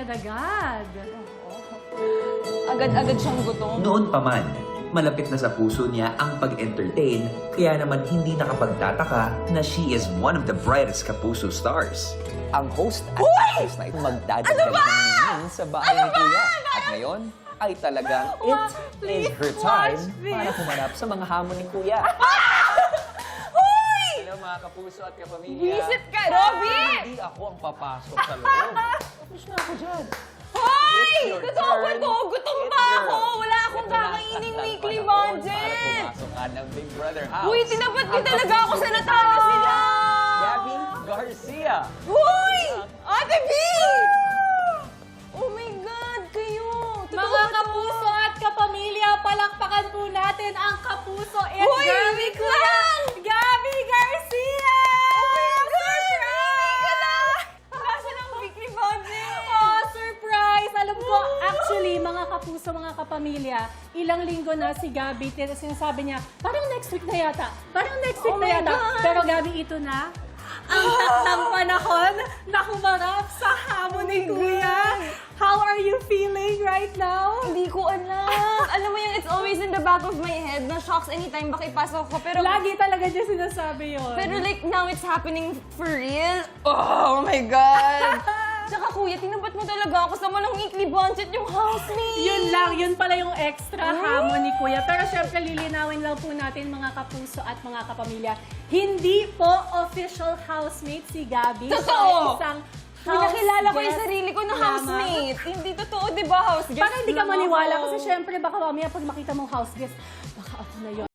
agad-agad. Agad-agad siyang gutom. Noon pa man, malapit na sa puso niya ang pag-entertain, kaya naman hindi nakapagtataka na she is one of the brightest Kapuso stars. Ang host at actress na ito magdadagdag ng meaning sa bahay ni Kuya. At ngayon ay talagang it is her time para humanap sa mga hamon ni Kuya. Hello mga Kapuso at kapamilya. Visit ka, Robby! Hindi ako ang papasok sa loob. Tapos na ako dyan. Hoy! It's your Totoo ba turn. to? Gutom It's pa your- ako! Wala akong Ito na ang kakaining taktang weekly panahon budget! Para pumasok ka ng Big Brother House. Uy, tinapat niyo Ang talaga ako sa natakas nila! Gabby Garcia. Uy! Ate B! Oh my God, kayo! Totoo Mga ba to? kapuso at kapamilya, palakpakan po natin ang kapuso and Uy, Gabby wait ko lang! Gabby Garcia! Nasa ng weekly budget! Oh, surprise! Alam ko, actually, mga kapuso, mga kapamilya, ilang linggo na si Gabby, sinasabi niya, parang next week na yata. Parang next week Oh na my yata. God! Pero Gabby, ito na ang taktang panahon na humarap sa hamon ni Kuya. How are you feeling right now? Hindi ko alam. Alam mo yung it's always in the back of my head na shocks anytime baka ipasok ko. Pero Lagi talaga niya sinasabi yun. Pero like, now it's happening for real. Oh my God! Tsaka kuya, tinabat mo talaga ako sa walang weekly budget yung housemate. Yun lang, yun pala yung extra hamon ni Kuya. Pero syempre, lilinawin lang po natin mga kapuso at mga kapamilya. Hindi po official housemate si Gabby. Totoo! Siya ay isang Uy, nakilala ko yung guest sarili ko na lamang. housemate. Hindi totoo, di ba, house guest? Parang hindi ka lang maniwala ako. kasi syempre baka mamaya pag makita mong house guest, baka ako na yun.